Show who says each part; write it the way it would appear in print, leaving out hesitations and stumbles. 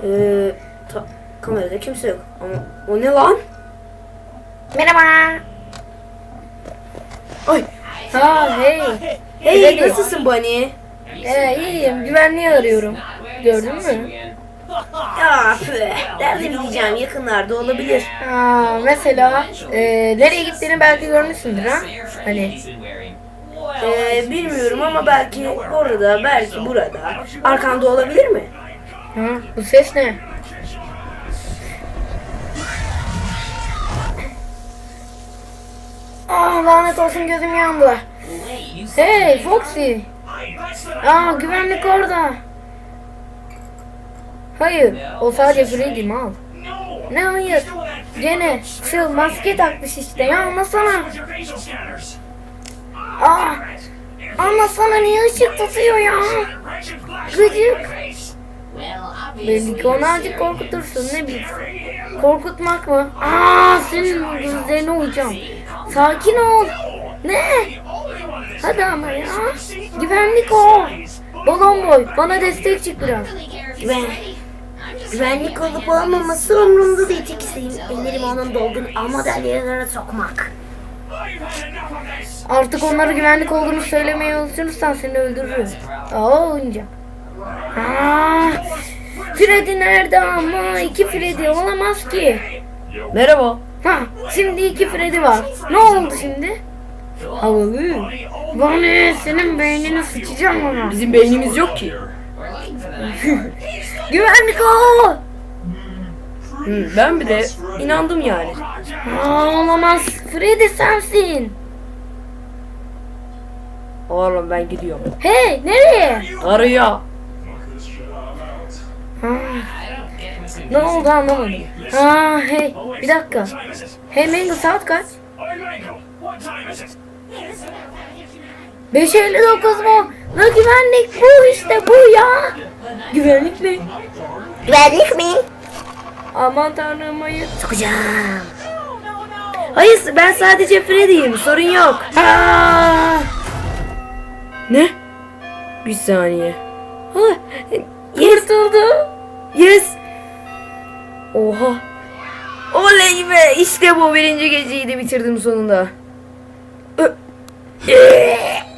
Speaker 1: Kamerada kimse yok. Ama o ne lan?
Speaker 2: Merhaba.
Speaker 1: Ay.
Speaker 2: Ha hey.
Speaker 1: Hey, nasılsın Bunny?
Speaker 2: İyiyim. Güvenliği arıyorum. Gördün mü?
Speaker 1: Ya nerede bileceğim, yakınlarda olabilir.
Speaker 2: Ha, mesela nereye gittiğini belki görmüşsündür ha? Hani
Speaker 1: Bilmiyorum ama belki orada, belki burada. Arkanda olabilir mi?
Speaker 2: ha, bu ses ne? Ah lanet olsun gözüm yandı. Hey Foxy. Aa güvenlik orada. Hayır o sadece Freddy mal. Ne hayır? Gene şu maske takmış işte ya anlasana. Aa anlasana niye ışık tutuyor ya? Gıcık. Belli ki onu azıcık korkutursun ne bileyim. Korkutmak mı? Aa senin gözlerine uyacağım. Sakin ol. Ne? Hadi ama ya. Güvenlik o. Balon boy bana destek çık biraz.
Speaker 1: Güvenlik olup olmaması umurumda değil. Tek isteğim ellerimi onun dolgun ama dalyalarına sokmak.
Speaker 2: Artık onlara güvenlik olduğunu söylemeye alışırsan seni öldürürüm. Aa oyuncak. Aa, Freddy nerede ama? İki Freddy olamaz ki.
Speaker 1: Merhaba.
Speaker 2: Ha, şimdi iki Freddy var. Ne oldu şimdi? Havalı. Bana senin beynini sıçacağım ama.
Speaker 1: Bizim beynimiz yok ki.
Speaker 2: Güvenlik o.
Speaker 1: Ben bile inandım yani.
Speaker 2: Aa, olamaz. Freddy sensin.
Speaker 1: Oğlum ben gidiyorum.
Speaker 2: Hey nereye?
Speaker 1: Araya.
Speaker 2: Ha, ne oldu anlamadım. Ha hey bir dakika. Hey Mango saat kaç? 5:59 mu? La güvenlik bu işte bu ya. Güvenlik mi?
Speaker 1: Güvenlik mi?
Speaker 2: Aman tanrım hayır.
Speaker 1: Sokacağım. Hayır, ben sadece Freddy'yim, sorun yok.
Speaker 2: Aa!
Speaker 1: Ne? Bir saniye. Ha,
Speaker 2: Kurtuldu.
Speaker 1: yes. Oha. Oley be, işte bu birinci geceyi de bitirdim sonunda.